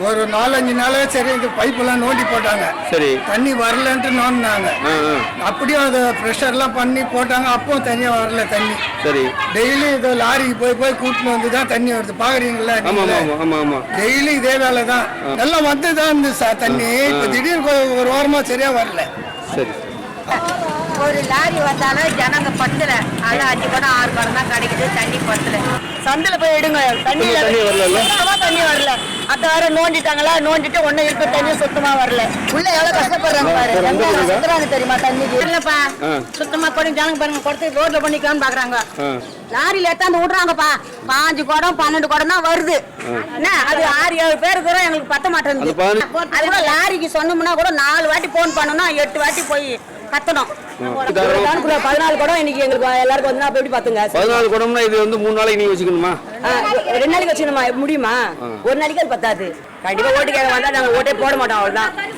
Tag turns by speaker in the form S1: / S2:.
S1: ஒரு 4-5 நாளே சரி இந்த பைப்பெல்லாம் நோண்டி போட்டாங்க. சரி. தண்ணி வரலன்ட்டு நோண்டினாங்க. அப்படியும் அதை ப்ரெஷர்லாம் பண்ணி போட்டாங்க. அப்பவும் தனியாக வரல தண்ணி. சரி. டெய்லி இதோ லாரிக்கு போய் கூட்டின்னு வந்து தான் தண்ணி வருது. பாக்குறீங்களா? டெய்லி இதே வேலை தான். எல்லாம் வந்து தான் இருந்துச்சு தண்ணி. இப்போ திடீர்னு ஒரு வாரமாக சரியா வரல. சரி.
S2: ஒரு லாரி வந்தாலும் ஜனங்க பத்தல. அது 5 குடம் 6 குடம் தான் கிடைக்குது. தண்ணி பத்தல. சந்தில போய் எடுங்க. தண்ணி வரல. அத்த வர நோண்டிட்டாங்களா? நோண்டிட்டு ஒன்னும் இருக்க தண்ணி சுத்தமா வரல. உள்ள எவ்வளவு கஷ்டப்படுறாங்க பாரு. சுத்தராங்க தெரியுமா தண்ணிக்கு? இல்லப்பா சுத்தமா பண்ணி ஜனங்க பாருங்க கொடுத்து ரோட்ல பண்ணிக்கலாம்னு பாக்குறாங்க. லாரியில எடுத்தாந்து விடுறாங்கப்பா. 5 குடம் 12 குடம் தான் வருது. என்ன அது 6-7 பேருக்கு கூட எங்களுக்கு பத்த மாட்டேங்குது. அது கூட லாரிக்கு சொன்னோம்னா கூட 4 வாட்டி போன் பண்ணணும். 8 வாட்டி போய் கத்தணும். 14 குடம் இன்னைக்கு எங்களுக்கு எல்லாருக்கும் வந்து எப்படி பாத்துங்க?
S3: 14 குடம்னா இது வந்து 3 நாளைக்கு நீங்க வச்சுக்கணுமா?
S2: 2 நாளைக்கு வச்சுக்கணுமா? முடியுமா? ஒரு நாளைக்கு அது பத்தாது. கண்டிப்பா ஓட்டு கேட்க வந்தா நாங்க ஓட்டே போட மாட்டோம். அவ்வளவுதான்.